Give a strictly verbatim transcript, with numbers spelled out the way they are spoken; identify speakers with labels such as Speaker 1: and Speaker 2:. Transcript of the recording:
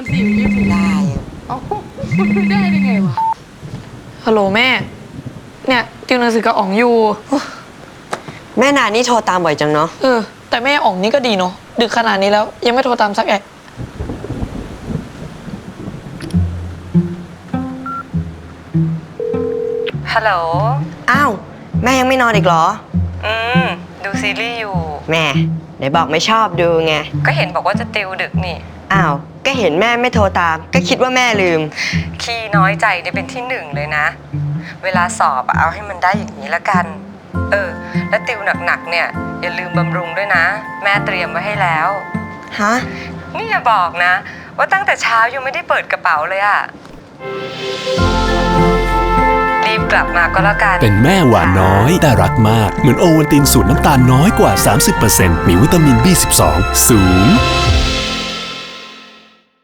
Speaker 1: สี่ไปยี่สิบ
Speaker 2: ได้
Speaker 1: เอ้าได้ได้ไงวะฮัลโหลแม่เนี่ยติวหนังสือกับอ๋องอยู่
Speaker 2: แม่นานี่โทรตามบ่อยจังเนาะ
Speaker 1: เออแต่แม่อ๋องนี่ก็ดีเนาะดึกขนาดนี้แล้วยังไม่โทรตามสักแอะ
Speaker 3: ฮัลโหล
Speaker 2: อ้าวแม่ยังไม่นอนอีกเหรอ
Speaker 3: อืมดูซีรีส์อยู่
Speaker 2: แม่ไหนบอกไม่ชอบดูไง
Speaker 3: ก็เห็นบอกว่าจะติวดึกนี่
Speaker 2: อ้าวก็เห็นแม่ไม่โทรตามก็คิดว่าแม่ลืม
Speaker 3: ขี้น้อยใจเนี่ยเป็นที่หนึ่งเลยนะเวลาสอบเอาให้มันได้อย่างนี้ละกันเออแล้วติวหนักๆเนี่ยอย่าลืมบำรุงด้วยนะแม่เตรียมไว้ให้แล้ว
Speaker 2: ฮะ
Speaker 3: นี่อย่าบอกนะว่าตั้งแต่เช้ายังไม่ได้เปิดกระเป๋าเลยอะรีบกลับมาก็แล้วกัน
Speaker 4: เป็นแม่หวานน้อยแต่รักมากเหมือนโอวัลตินสูตรน้ำตาลน้อยกว่า สามสิบเปอร์เซ็นต์ มีวิตามิน บี สิบสอง สูง